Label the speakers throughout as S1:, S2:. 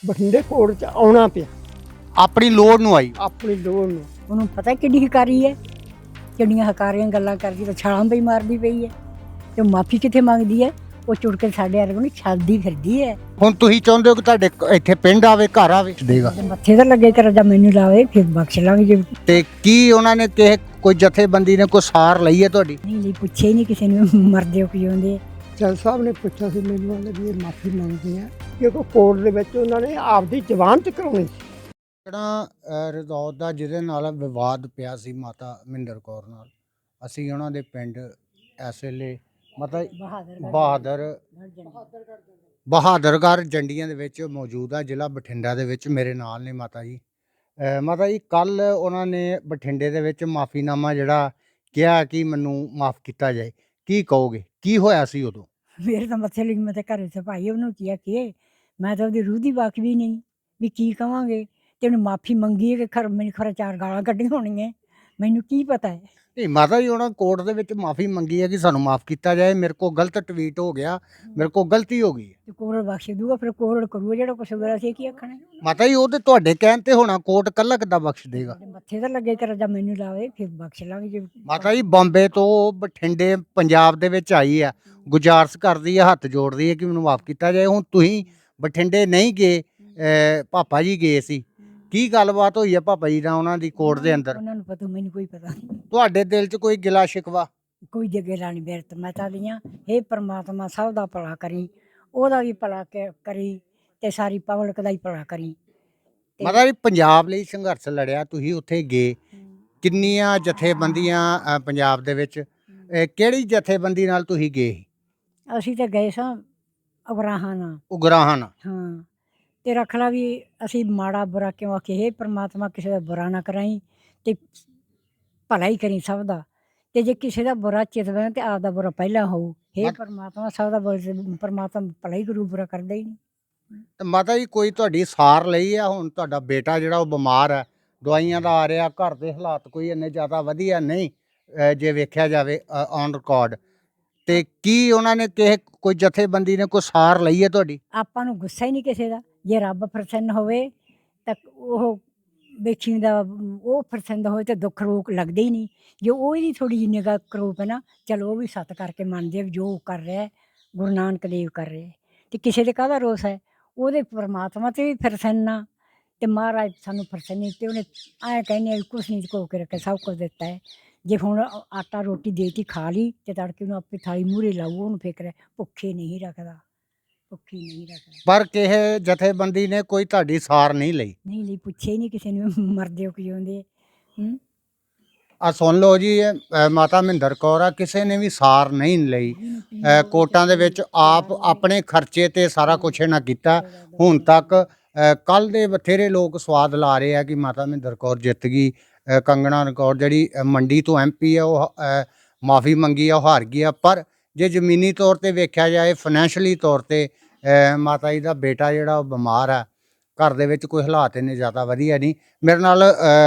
S1: ਬਠਿੰਡੇ ਕੋਰਟ 'ਚ ਆਉਣਾ ਪਿਆ
S2: ਆਪਣੀ ਲੋੜ ਨੂੰ ਆਈ।
S1: ਆਪਣੀ ਲੋੜ ਨੂੰ।
S3: ਉਹਨੂੰ ਪਤਾ ਕਿੱਡੀ ਹਕਾਰੀ ਹੈ, ਕਿੰਨੀਆਂ ਹਕਾਰੀਆਂ ਗੱਲਾਂ ਕਰਦੀ ਤਾਂ ਛਾਲਾਂ ਵੀ ਮਾਰਦੀ ਪਈ ਹੈ ਤੇ ਮਾਫੀ ਕਿੱਥੇ ਮੰਗਦੀ ਹੈ? ਉਹ ਚੁੜ ਕੇ ਸਾਡੇ ਵਰਗੇ ਨੂੰ ਛੱਡਦੀ ਫਿਰਦੀ ਹੈ।
S2: ਹੁਣ ਤੁਸੀਂ ਚਾਹੁੰਦੇ ਹੋ ਕਿ ਤੁਹਾਡੇ ਇੱਥੇ ਪਿੰਡ ਆਵੇ, ਘਰ ਆਵੇ ਦੇਗਾ
S3: ਤੇ ਮੱਥੇ ਤੇ ਲੱਗੇ ਕਰ ਜਾਂ ਮੈਨੂੰ ਲਾਵੇ ਫਿਰ ਬਖਸ਼ ਲਾਂਗੇ। ਜੇ
S2: ਤੇ ਕੀ ਉਹਨਾਂ ਨੇ ਕਿਸੇ ਕੋਈ ਜਥੇਬੰਦੀ ਨੇ ਕੋਈ ਸਾਰ ਲਈ ਹੈ ਤੁਹਾਡੀ?
S3: ਨਹੀਂ ਲਈ ਪੁੱਛੇ ਹੀ ਨਹੀਂ ਕਿਸੇ ਨੂੰ ਮਰਦੇ ਹੋ ਕਿ ਜਿਉਂਦੇ।
S1: ਜੱਜ ਸਾਹਿਬ ਨੇ ਪੁੱਛਿਆ ਸੀ ਮੈਨੂੰ ਵਾਲੇ ਵੀ ਇਹ ਮਾਫੀ ਮੰਗਦੇ ਆ ਕਿਉਂਕਿ ਕੋਰਟ ਦੇ ਵਿੱਚ ਉਹਨਾਂ ਨੇ ਆਪਦੀ ਜ਼ਬਾਨਤ ਕਰਾਉਣੀ ਸੀ।
S2: ਜਿਹੜਾ ਰਜੌਤ ਦਾ ਜਿਹਦੇ ਨਾਲ ਵਿਵਾਦ ਪਿਆ ਸੀ ਮਾਤਾ ਮਹਿੰਦਰ ਕੌਰ ਨਾਲ, ਅਸੀਂ ਉਹਨਾਂ ਦੇ ਪਿੰਡ ਇਸ ਵੇਲੇ ਮਤਲਬ ਬਹਾਦਰਗੜ੍ਹ ਜੰਡੀਆਂ ਦੇ ਵਿੱਚ ਮੌਜੂਦ ਆ, ਜ਼ਿਲ੍ਹਾ ਬਠਿੰਡਾ ਦੇ ਵਿੱਚ। ਮੇਰੇ ਨਾਲ ਨੇ ਮਾਤਾ ਜੀ। ਮਾਤਾ ਜੀ, ਕੱਲ ਉਹਨਾਂ ਨੇ ਬਠਿੰਡੇ ਦੇ ਵਿੱਚ ਮਾਫੀਨਾਮਾ ਜਿਹੜਾ ਕਿਹਾ ਕਿ ਮੈਨੂੰ ਮਾਫ ਕੀਤਾ ਜਾਏ, ਕੀ ਕਹੋਗੇ? ਕੀ ਹੋਇਆ ਸੀ ਉਦੋਂ?
S3: ਮੇਰੇ ਤਾਂ ਮੱਥੇ ਲੱਗੀ, ਮੈਂ ਤਾਂ ਘਰੇ ਸਫਾਈ ਉਹਨੂੰ ਕਿਹਾ ਕਿ ਮੈਂ ਤਾਂ ਉਹਦੀ ਰੂਹ ਦੀ ਵਾਕਫੀ ਨਹੀਂ ਵੀ ਕੀ ਕਵਾਂਗੇ। ਤੇ ਉਹਨੇ ਮਾਫੀ ਮੰਗੀ ਹੈ ਕਿ ਮੈਨੂੰ ਖਰਾ 4 ਗਾਲਾਂ ਕੱਢੀਆਂ ਹੋਣੀਆਂ, ਮੈਨੂੰ ਕੀ ਪਤਾ ਹੈ।
S2: ਨਹੀਂ ਮਾਤਾ ਜੀ, ਉਹਨਾਂ ਕੋਰਟ ਦੇ ਵਿੱਚ ਮਾਫੀ ਮੰਗੀ ਹੈ ਕਿ ਸਾਨੂੰ ਮਾਫ ਕੀਤਾ ਜਾਏ, ਮੇਰੇ ਕੋਲ ਗਲਤ ਟਵੀਟ ਹੋ ਗਿਆ, ਮੇਰੇ ਕੋਲ ਗਲਤੀ ਹੋ ਗਈ ਹੈ।
S3: ਤੇ ਕੋਰਟ ਬਖਸ਼ ਦੂਗਾ, ਫਿਰ ਕੋਰਟ ਕਰੂਗਾ ਜਿਹੜਾ ਕੁਛ ਹੋਇਆ ਸੀ। ਕੀ ਆਖਣਾ
S2: ਮਾਤਾ ਜੀ, ਉਹ ਤੇ ਤੁਹਾਡੇ ਕਹਿਣ ਤੇ ਹੋਣਾ, ਕੋਰਟ ਕੱਲਾ ਕਿੱਦਾਂ ਬਖਸ਼ ਦੇਗਾ?
S3: ਮੱਥੇ ਤੇ ਲੱਗੇ ਕਰ ਜਾਂ ਮੈਨੂੰ ਲਾਵੇ ਫਿਰ ਬਖਸ਼ ਲਾਂਗੇ। ਜੇ
S2: ਮਾਤਾ ਜੀ, ਬੰਬੇ ਤੋਂ ਬਠਿੰਡੇ ਪੰਜਾਬ ਦੇ ਵਿੱਚ ਆਈ ਆ, ਗੁਜ਼ਾਰਿਸ਼ ਕਰਦੀ ਹੈ, ਹੱਥ ਜੋੜਦੀ ਹੈ ਕਿ ਮੈਨੂੰ ਮਾਫ ਕੀਤਾ ਜਾਏ। ਹੁਣ ਤੁਸੀਂ ਬਠਿੰਡੇ ਨਹੀਂ ਗਏ, ਪਾਪਾ ਜੀ ਗਏ ਸੀ, ਕੀ ਗੱਲਬਾਤ ਹੋਈ ਹੈ ਪਾਪਾ ਜੀ ਨਾਲ ਉਹਨਾਂ ਦੀ ਕੋਰਟ ਦੇ ਅੰਦਰ?
S3: ਉਹਨਾਂ ਨੂੰ ਪਤਾ, ਮੈਨੂੰ ਕੋਈ ਪਤਾ ਨਹੀਂ।
S2: ਤੁਹਾਡੇ ਦਿਲ 'ਚ ਕੋਈ ਗਿਲਾ ਸ਼ਿਕਵਾ?
S3: ਕੋਈ ਜੱਗੇ ਲਾਣੀ ਬਿਰਤ ਮੈਂ ਤਾਂ ਦੀਆਂ ਇਹ ਪਰਮਾਤਮਾ ਸਭ ਦਾ ਭਲਾ ਕਰੀ, ਉਹਦਾ ਵੀ ਭਲਾ ਕਰੀ ਤੇ ਸਾਰੀ ਪਬਲਿਕ ਦਾ ਹੀ ਭਲਾ ਕਰੀ।
S2: ਮਾਤਾ ਜੀ, ਪੰਜਾਬ ਲਈ ਸੰਘਰਸ਼ ਲੜਿਆ, ਤੁਸੀਂ ਉੱਥੇ ਗਏ, ਕਿੰਨੀਆਂ ਜਥੇਬੰਦੀਆਂ ਪੰਜਾਬ ਦੇ ਵਿੱਚ, ਕਿਹੜੀ ਜਥੇਬੰਦੀ ਨਾਲ ਤੁਸੀਂ ਗਏ?
S3: ਅਸੀਂ ਤਾਂ ਗਏ ਸਾਂ ਉਗਰਾਹਾਂ ਨਾਲ।
S2: ਉਗਰਾਹਾਂ ਨਾਲ?
S3: ਹਾਂ, ਤੇ ਰੱਖ ਲਾ ਵੀ ਅਸੀਂ ਮਾੜਾ ਬੁਰਾ ਕਿਉਂ ਆਖੇ। ਇਹ ਪਰਮਾਤਮਾ ਕਿਸੇ ਦਾ ਬੁਰਾ ਨਾ ਕਰਾਈ ਤੇ ਭਲਾ ਹੀ ਕਰੀ ਸਭ ਦਾ। ਤੇ ਜੇ ਕਿਸੇ ਦਾ ਬੁਰਾ ਚਿਤਵੇਂ ਤੇ ਆਪਦਾ ਬੁਰਾ ਪਹਿਲਾਂ ਹੋਊ। ਇਹ ਪਰਮਾਤਮਾ ਸਭ ਦਾ ਪਰਮਾਤਮਾ ਭਲਾ ਹੀ ਕਰੂ, ਬੁਰਾ ਕਰਦਾ ਹੀ ਨਹੀਂ।
S2: ਤੇ ਮਾਤਾ ਜੀ, ਕੋਈ ਤੁਹਾਡੀ ਸਾਰ ਲਈ ਆ? ਹੁਣ ਤੁਹਾਡਾ ਬੇਟਾ ਜਿਹੜਾ ਉਹ ਬਿਮਾਰ ਹੈ, ਦਵਾਈਆਂ ਦਾ ਆ ਰਿਹਾ, ਘਰ ਦੇ ਹਾਲਾਤ ਕੋਈ ਇੰਨੇ ਜ਼ਿਆਦਾ ਵਧੀਆ ਨਹੀਂ ਜੇ ਵੇਖਿਆ ਜਾਵੇ ਔਨ ਰਿਕਾਰਡ, ਤੇ ਕੀ ਉਹਨਾਂ ਨੇ ਕਿਸੇ ਕੋਈ ਜਥੇਬੰਦੀ ਨੇ ਕੋਈ ਸਾਰ ਲਈ ਹੈ ਤੁਹਾਡੀ?
S3: ਆਪਾਂ ਨੂੰ ਗੁੱਸਾ ਹੀ ਨਹੀਂ ਕਿਸੇ ਦਾ। ਜੇ ਰੱਬ ਪ੍ਰਸੰਨ ਹੋਵੇ ਤਾਂ ਉਹ ਵੇਖੀ ਦਾ, ਉਹ ਪ੍ਰਸੰਨ ਹੋਵੇ ਤਾਂ ਦੁੱਖ ਰੋਕ ਲੱਗਦੇ ਹੀ ਨਹੀਂ। ਜੇ ਉਹ ਇਹਦੀ ਥੋੜ੍ਹੀ ਜਿਹੀ ਨਿਗਾਹ ਕਰੂਪ ਹੈ ਨਾ, ਚਲੋ ਉਹ ਵੀ ਸੱਤ ਕਰਕੇ ਮੰਨਦੇ ਆ ਜੋ ਕਰ ਰਿਹਾ ਗੁਰੂ ਨਾਨਕ ਦੇਵ ਕਰ ਰਹੇ। ਤੇ ਕਿਸੇ ਦੇ ਕਾਹਦਾ ਰੋਸ ਹੈ? ਉਹਦੇ ਪਰਮਾਤਮਾ ਤੇ ਵੀ ਪ੍ਰਸੰਨ ਆ ਤੇ ਮਹਾਰਾਜ ਸਾਨੂੰ ਪ੍ਰਸੰਨ, ਤੇ ਉਹਨੇ ਐਂ ਕਹਿੰਦੇ ਕੁਛ ਨਹੀਂ ਕੋ ਕੇ ਰੱਖਿਆ, ਸਭ ਕੁਝ ਦਿੱਤਾ ਹੈ। ਜੇ ਹੁਣ ਆਟਾ ਰੋਟੀ ਦੇਤੀ ਖਾ ਲਈ ਤੇ ਤੜਕੇ ਨੂੰ ਆਪੇ ਥਾਲੀ ਮੂਹਰੇ ਲਾਊ, ਉਹਨੂੰ ਫਿਕਰ ਹੈ, ਭੁੱਖੇ ਨਹੀਂ ਰੱਖਦਾ, ਭੁੱਖੀ ਨਹੀਂ ਰੱਖਦਾ।
S2: ਪਰ ਕਿਸੇ ਜਥੇਬੰਦੀ ਨੇ ਕੋਈ ਤੁਹਾਡੀ ਸਾਰ ਨਹੀਂ ਲਈ?
S3: ਨਹੀਂ ਲਈ, ਪੁੱਛੇ ਹੀ ਨਹੀਂ ਕਿਸੇ ਨੂੰ ਮਰਦੇ ਹੋ ਕਿ ਜਿਉਂਦੇ।
S2: ਆ ਸੁਣ ਲਓ ਜੀ, ਮਾਤਾ ਮਹਿੰਦਰ ਕੌਰ ਆ, ਕਿਸੇ ਨੇ ਵੀ ਸਾਰ ਨਹੀਂ ਲਈ। ਕੋਰਟਾਂ ਦੇ ਵਿੱਚ ਆਪ ਆਪਣੇ ਖਰਚੇ ਤੇ ਸਾਰਾ ਕੁਛ ਇਹਨਾਂ ਕੀਤਾ ਹੁਣ ਤੱਕ। ਕੱਲ ਦੇ ਬਥੇਰੇ ਲੋਕ ਸਵਾਦ ਲਾ ਰਹੇ ਆ ਕਿ ਮਾਤਾ ਮਹਿੰਦਰ ਕੌਰ ਜਿੱਤ ਗਈ, ਕੰਗਣਾ ਰਣੌਤ ਜਿਹੜੀ ਮੰਡੀ ਤੋਂ MP ਆ ਉਹ ਮਾਫੀ ਮੰਗੀ ਆ, ਉਹ ਹਾਰ ਗਈ ਆ। ਪਰ ਜੇ ਜ਼ਮੀਨੀ ਤੌਰ ਤੇ ਵੇਖਿਆ ਜਾਏ, ਫਾਈਨੈਂਸ਼ਲੀ ਤੌਰ ਤੇ ਮਾਤਾ ਜੀ ਦਾ ਬੇਟਾ ਜਿਹੜਾ ਉਹ ਬਿਮਾਰ ਆ, ਘਰ ਦੇ ਵਿੱਚ ਕੋਈ ਹਾਲਾਤ ਇੰਨੇ ਜ਼ਿਆਦਾ ਵਧੀਆ ਨਹੀਂ। ਮੇਰੇ ਨਾਲ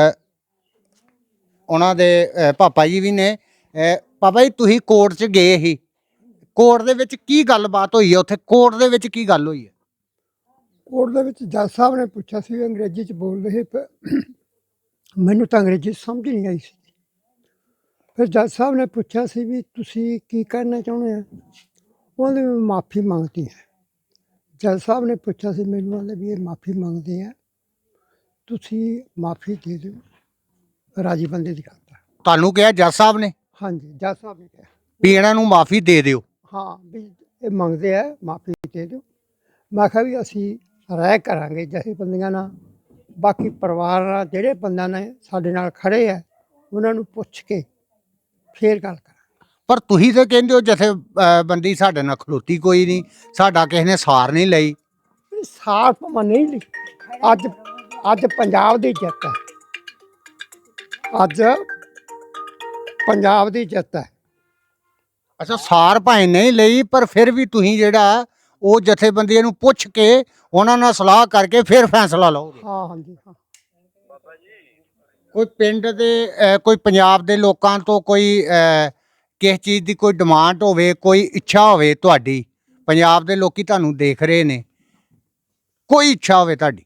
S2: ਉਹਨਾਂ ਦੇ ਪਾਪਾ ਜੀ ਵੀ ਨੇ। ਪਾਪਾ ਜੀ, ਤੁਸੀਂ ਕੋਰਟ 'ਚ ਗਏ ਸੀ, ਕੋਰਟ ਦੇ ਵਿੱਚ ਕੀ ਗੱਲਬਾਤ ਹੋਈ ਹੈ? ਉੱਥੇ ਕੋਰਟ ਦੇ ਵਿੱਚ ਕੀ ਗੱਲ ਹੋਈ ਹੈ?
S1: ਕੋਰਟ ਦੇ ਵਿੱਚ ਜੱਜ ਸਾਹਿਬ ਨੇ ਪੁੱਛਿਆ ਸੀ, ਅੰਗਰੇਜ਼ੀ 'ਚ ਬੋਲ ਰਹੇ, ਮੈਨੂੰ ਤਾਂ ਅੰਗਰੇਜ਼ੀ ਸਮਝ ਨਹੀਂ ਆਈ ਸੀ। ਫਿਰ ਜੱਜ ਸਾਹਿਬ ਨੇ ਪੁੱਛਿਆ ਸੀ ਵੀ ਤੁਸੀਂ ਕੀ ਕਰਨਾ ਚਾਹੁੰਦੇ ਆ? ਉਹਨੇ ਮਾਫੀ ਮੰਗਤੀ ਹੈ। ਜੱਜ ਸਾਹਿਬ ਨੇ ਪੁੱਛਿਆ ਸੀ ਮੈਨੂੰ ਵਾਲੇ ਵੀ ਇਹ ਮਾਫੀ ਮੰਗਦੇ ਆ, ਤੁਸੀਂ ਮਾਫੀ ਦੇ ਦਿਓ, ਰਾਜੀ ਬੰਦੇ ਦੀ ਗੱਲ ਹੈ।
S2: ਤੁਹਾਨੂੰ ਕਿਹਾ ਜੱਜ ਸਾਹਿਬ ਨੇ?
S1: ਹਾਂਜੀ, ਜੱਜ ਸਾਹਿਬ ਨੇ ਕਿਹਾ
S2: ਵੀ ਇਹਨਾਂ ਨੂੰ ਮਾਫੀ ਦੇ ਦਿਓ।
S1: ਹਾਂ, ਵੀ ਇਹ ਮੰਗਦੇ ਆ, ਮਾਫੀ ਦੇ ਦਿਓ। ਮੈਂ ਕਿਹਾ ਵੀ ਅਸੀਂ ਰਾਏ ਕਰਾਂਗੇ ਜਥੇਬੰਦੀਆਂ ਨਾਲ, ਬਾਕੀ ਪਰਿਵਾਰ ਨਾਲ, ਜਿਹੜੇ ਬੰਦਿਆਂ ਨੇ ਸਾਡੇ ਨਾਲ ਖੜੇ ਆ ਉਹਨਾਂ ਨੂੰ ਪੁੱਛ ਕੇ ਫੇਰ ਗੱਲ ਕਰਾਂਗੇ।
S2: ਪਰ ਤੁਸੀਂ ਤਾਂ ਕਹਿੰਦੇ ਹੋ ਜਥੇਬੰਦੀ ਸਾਡੇ ਨਾਲ ਖਲੋਤੀ ਕੋਈ ਨਹੀਂ, ਸਾਡਾ ਕਿਸੇ ਨੇ ਸਾਰ ਨਹੀਂ ਲਈ।
S1: ਸਾਰ ਭਾਵੇਂ ਨਹੀਂ ਲਈ, ਅੱਜ ਪੰਜਾਬ ਦੀ ਜਿੱਤ ਹੈ, ਅੱਜ ਪੰਜਾਬ ਦੀ ਜਿੱਤ ਹੈ।
S2: ਅੱਛਾ, ਸਾਰ ਭਾਵੇਂ ਨਹੀਂ ਲਈ, ਪਰ ਫਿਰ ਵੀ ਤੁਸੀਂ ਜਿਹੜਾ ਉਹ ਜਥੇਬੰਦੀਆਂ ਨੂੰ ਪੁੱਛ ਕੇ ਉਹਨਾਂ ਨਾਲ ਸਲਾਹ ਕਰਕੇ ਫਿਰ ਫੈਸਲਾ ਲਓਗੇ?
S1: ਹਾਂ, ਹਾਂਜੀ, ਹਾਂ।
S2: ਕੋਈ ਪਿੰਡ ਦੇ ਕੋਈ ਪੰਜਾਬ ਦੇ ਲੋਕਾਂ ਤੋਂ ਕੋਈ ਕਿਸ ਚੀਜ਼ ਦੀ ਕੋਈ ਡਿਮਾਂਡ ਹੋਵੇ, ਕੋਈ ਇੱਛਾ ਹੋਵੇ ਤੁਹਾਡੀ, ਪੰਜਾਬ ਦੇ ਲੋਕੀ ਤੁਹਾਨੂੰ ਦੇਖ ਰਹੇ ਨੇ, ਕੋਈ ਇੱਛਾ ਹੋਵੇ ਤੁਹਾਡੀ?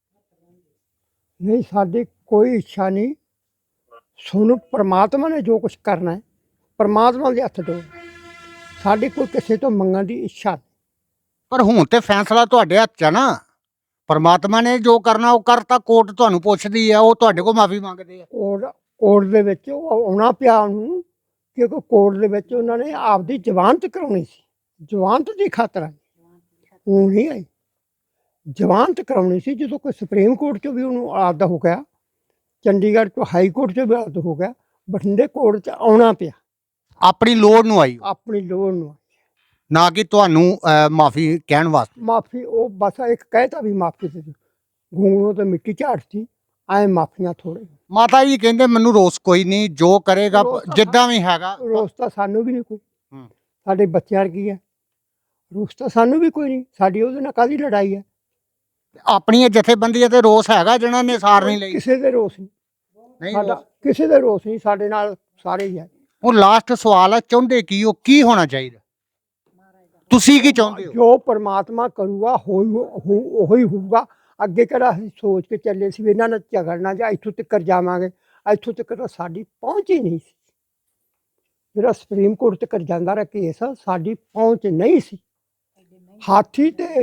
S1: ਨਹੀਂ, ਸਾਡੀ ਕੋਈ ਇੱਛਾ ਨਹੀਂ। ਸਾਨੂੰ ਪ੍ਰਮਾਤਮਾ ਨੇ ਜੋ ਕੁਝ ਕਰਨਾ ਹੈ ਪ੍ਰਮਾਤਮਾ ਦੇ ਹੱਥ ਦੋ, ਸਾਡੀ ਕੋਈ ਕਿਸੇ ਤੋਂ ਮੰਗਣ ਦੀ ਇੱਛਾ ਨਹੀਂ।
S2: ਪਰ ਹੁਣ ਤੇ ਫੈਸਲਾ ਤੁਹਾਡੇ ਹੱਥ 'ਚ ਆ ਨਾ। ਪਰਮਾਤਮਾ ਨੇ ਜੋ ਕਰਨਾ ਉਹ ਕਰਤਾ, ਕੋਰਟ ਤੁਹਾਨੂੰ ਪੁੱਛਦੀ ਆ, ਉਹ ਤੁਹਾਡੇ ਕੋਲ ਮਾਫੀ ਮੰਗਦੇ ਆ।
S1: ਕੋਰਟ ਦੇ ਵਿੱਚ ਉਹ ਆਉਣਾ ਪਿਆ ਉਹਨੂੰ, ਕਿਉਂਕਿ ਕੋਰਟ ਦੇ ਵਿੱਚ ਉਹਨਾਂ ਨੇ ਆਪਦੀ ਜ਼ਮਾਨਤ ਕਰਾਉਣੀ ਸੀ। ਜ਼ਮਾਨਤ ਦੀ ਖਾਤਰ ਆਈ, ਉਹ ਨਹੀਂ ਆਈ। ਜ਼ਮਾਨਤ ਕਰਾਉਣੀ ਸੀ। ਜਦੋਂ ਕੋਈ ਸੁਪਰੀਮ ਕੋਰਟ 'ਚੋਂ ਵੀ ਉਹਨੂੰ ਆਪਦਾ ਹੋ ਗਿਆ, ਚੰਡੀਗੜ੍ਹ ਤੋਂ ਹਾਈ ਕੋਰਟ 'ਚ ਵੀ ਆਪਦਾ ਹੋ ਗਿਆ, ਬਠਿੰਡੇ ਕੋਰਟ 'ਚ ਆਉਣਾ ਪਿਆ
S2: ਆਪਣੀ ਲੋੜ ਨੂੰ ਆਈ,
S1: ਆਪਣੀ ਲੋੜ ਨੂੰ।
S2: ਨਾ ਕਿ ਤੁਹਾਨੂੰ ਮਾਫੀ ਕਹਿਣ ਵਾਸਤੇ।
S1: ਮਾਫੀ ਉਹ ਬਸ ਇੱਕ ਕਹਿਤਾ ਵੀ ਮਾਫੀ ਦੇ ਦਿਓ, ਗੂੰਗਲੋਂ ਤੇ ਮਿੱਟੀ ਝਾੜਤੀ, ਐ ਮਾਫੀਆਂ ਥੋੜੇ।
S2: ਮਾਤਾ ਜੀ ਕਹਿੰਦੇ ਮੈਨੂੰ ਰੋਸ ਕੋਈ ਨਹੀਂ, ਜੋ ਕਰੇਗਾ
S1: ਰੋਸ ਤਾਂ
S2: ਜਿੱਦਾਂ ਵੀ ਹੈਗਾ।
S1: ਰੋਸ ਤਾਂ ਸਾਨੂੰ ਵੀ ਨਹੀਂ ਕੋਈ,
S2: ਹੂੰ।
S1: ਸਾਡੇ ਬੱਚਿਆਂ ਕੀ ਹੈ, ਰੋਸ ਤਾਂ ਸਾਨੂੰ ਵੀ ਕੋਈ ਨਹੀਂ। ਸਾਡੀ ਉਹਦੇ ਨਾਲ ਕਾਹਦੀ ਲੜਾਈ ਹੈ?
S2: ਆਪਣੀਆਂ ਜਥੇਬੰਦੀਆਂ ਤੇ ਰੋਸ ਹੈਗਾ ਜਿਹਨਾਂ ਨੇ ਸਾਰ ਨਹੀਂ ਲਈ।
S1: ਕਿਸੇ ਦੇ ਰੋਸ ਨਹੀਂ,
S2: ਨਹੀਂ
S1: ਸਾਡਾ
S2: ਰੋਸ।
S1: ਕਿਸੇ ਦੇ ਰੋਸ ਨਹੀਂ, ਸਾਡੇ ਨਾਲ ਸਾਰੇ ਹੀ ਹੈ।
S2: ਉਹ ਲਾਸਟ ਸਵਾਲ ਆ, ਚਾਹੁੰਦੇ ਕੀ ਉਹ ਕੀ ਹੋਣਾ ਚਾਹੀਦਾ? ਤੁਸੀਂ ਕੀ ਚਾਹੁੰਦੇ ਹੋ?
S1: ਜੋ ਪਰਮਾਤਮਾ ਕਰੂਗਾ ਉਹੀ ਹੋਊਗਾ। ਅੱਗੇ ਕਿਹੜਾ ਅਸੀਂ ਸੋਚ ਕੇ ਚੱਲੇ ਸੀ ਵੀ ਇਹਨਾਂ ਨਾਲ ਝਗੜਨਾ ਜਾਂ ਇੱਥੋਂ ਤੱਕ ਜਾਵਾਂਗੇ। ਇੱਥੋਂ ਤੱਕ ਤਾਂ ਸਾਡੀ ਪਹੁੰਚ ਹੀ ਨਹੀਂ ਸੀ। ਜਿਹੜਾ ਸੁਪਰੀਮ ਕੋਰਟ ਤੱਕ ਜਾਂਦਾ ਰਿਹਾ ਕੇਸ, ਸਾਡੀ ਪਹੁੰਚ ਨਹੀਂ ਸੀ। ਹਾਥੀ ਤੇ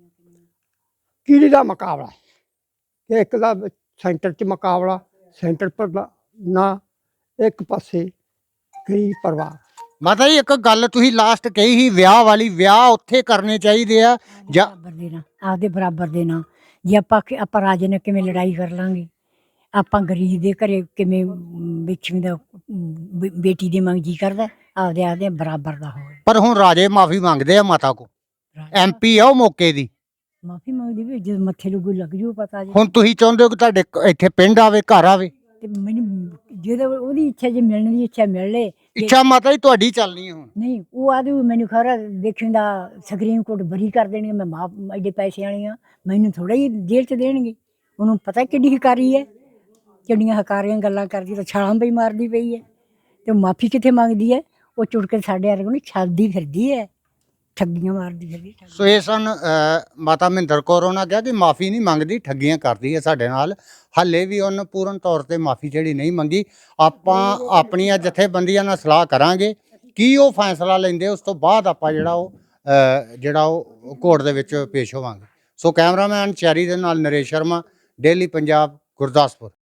S1: ਕੀੜੀ ਦਾ ਮੁਕਾਬਲਾ ਹੈ, ਇੱਕ ਦਾ ਸੈਂਟਰ 'ਚ ਮੁਕਾਬਲਾ, ਸੈਂਟਰ ਪਰ ਨਾ ਇੱਕ ਪਾਸੇ ਗਰੀਬ ਪਰਿਵਾਰ।
S2: ਮਾਤਾ ਜੀ ਇੱਕ ਗੱਲ ਤੁਸੀਂ ਲਾਸਟ ਕਹੀ ਸੀ ਵਿਆਹ ਵਾਲੀ, ਵਿਆਹ ਉੱਥੇ ਕਰਨੇ ਚਾਹੀਦੇ ਆ ਜਾਂ
S3: ਬਰਾਬਰ ਦੇਣਾ, ਆਪਦੇ ਬਰਾਬਰ ਦੇਣਾ। ਜੇ ਆਪਾਂ ਰਾਜੇ ਨਾਲ ਕਿਵੇਂ ਲੜਾਈ ਕਰ ਲਾਂਗੇ, ਆਪਾਂ ਗਰੀਬ ਦੇ ਘਰੇ ਕਿਵੇਂ ਵੇਖੀ ਦਾ ਬੇਟੀ ਦੇ ਮੰਗ ਜੀ ਕਰਦਾ, ਆਪਦੇ ਬਰਾਬਰ ਦਾ ਹੋਵੇ।
S2: ਪਰ ਹੁਣ ਰਾਜੇ ਮਾਫੀ ਮੰਗਦੇ ਆ ਮਾਤਾ ਕੋ, MP ਆ ਉਹ ਮੌਕੇ ਦੀ।
S3: ਮਾਫੀ ਮੰਗਦੀ ਵੀ ਜਦ ਮੱਥੇ ਲੱਗੂ ਲੱਗ ਜੂ ਪਤਾ ਜੀ।
S2: ਹੁਣ ਤੁਸੀਂ ਚਾਹੁੰਦੇ ਹੋ ਕਿ ਤੁਹਾਡੇ ਇੱਥੇ ਪਿੰਡ ਆਵੇ, ਘਰ ਆਵੇ?
S3: ਤੇ ਮੈਨੂੰ ਜਦੋਂ ਉਹਦੀ ਇੱਛਾ, ਜੇ ਮਿਲਣ ਦੀ ਇੱਛਾ ਮਿਲ ਲੇ।
S2: ਇੱਛਾ ਮਾਤਾ ਜੀ ਤੁਹਾਡੀ ਚੱਲਣੀ ਹੈ ਹੁਣ।
S3: ਨਹੀਂ, ਉਹ ਆਦੀ ਮੈਨੂੰ ਖਬਰ ਦੇਖਣ ਦਾ ਸੁਪਰੀਮ ਕੋਰਟ ਬਰੀ ਕਰ ਦੇਣੀ, ਮੈਂ ਮਾਫ ਐਡੇ ਪੈਸੇ ਵਾਲੀ ਆ, ਮੈਨੂੰ ਥੋੜਾ ਹੀ ਜੇਲ੍ਹ 'ਚ ਦੇਣਗੇ। ਉਹਨੂੰ ਪਤਾ ਕਿੱਡੀ ਹਕਾਰੀ ਹੈ, ਕਿੰਨੀਆਂ ਹਕਾਰੀਆਂ ਗੱਲਾਂ ਕਰਦੀ, ਤਾਂ ਛਾਲਾਂ ਪਈ ਮਾਰਦੀ ਪਈ ਹੈ। ਤੇ ਮਾਫੀ ਕਿੱਥੇ ਮੰਗਦੀ ਹੈ? ਉਹ ਚੁੜ ਕੇ ਸਾਡੇ ਵਰਗੇ ਨੂੰ ਛੱਡਦੀ ਫਿਰਦੀ ਹੈ, ਠੱਗੀਆਂ ਮਾਰਦੀ ਫਿਰਦੀ।
S2: ਸੋ ਇਹ ਸਨ ਮਾਤਾ ਮਹਿੰਦਰ ਕੌਰ। ਉਹਨਾਂ ਕਿਹਾ ਕਿ ਮਾਫੀ ਨਹੀਂ ਮੰਗਦੀ, ਠੱਗੀਆਂ ਕਰਦੀ ਹੈ ਸਾਡੇ ਨਾਲ। ਹਾਲੇ ਵੀ ਉਹਨੇ ਪੂਰਨ ਤੌਰ ਤੇ ਮਾਫੀ ਜਿਹੜੀ ਨਹੀਂ ਮੰਗੀ। ਆਪਾਂ ਆਪਣੀਆਂ ਜਥੇਬੰਦੀਆਂ ਨਾਲ ਸਲਾਹ ਕਰਾਂਗੇ ਕੀ ਉਹ ਫੈਸਲਾ ਲੈਂਦੇ, ਉਸ ਤੋਂ ਬਾਅਦ ਆਪਾਂ ਜਿਹੜਾ ਉਹ ਕੋਰਟ ਦੇ ਵਿੱਚ ਪੇਸ਼ ਹੋਵਾਂਗੇ। ਸੋ ਕੈਮਰਾਮੈਨ ਚੈਰੀ ਦੇ ਨਾਲ ਨਰੇਸ਼ ਸ਼ਰਮਾ, ਡੇਲੀ ਪੰਜਾਬ, ਗੁਰਦਾਸਪੁਰ।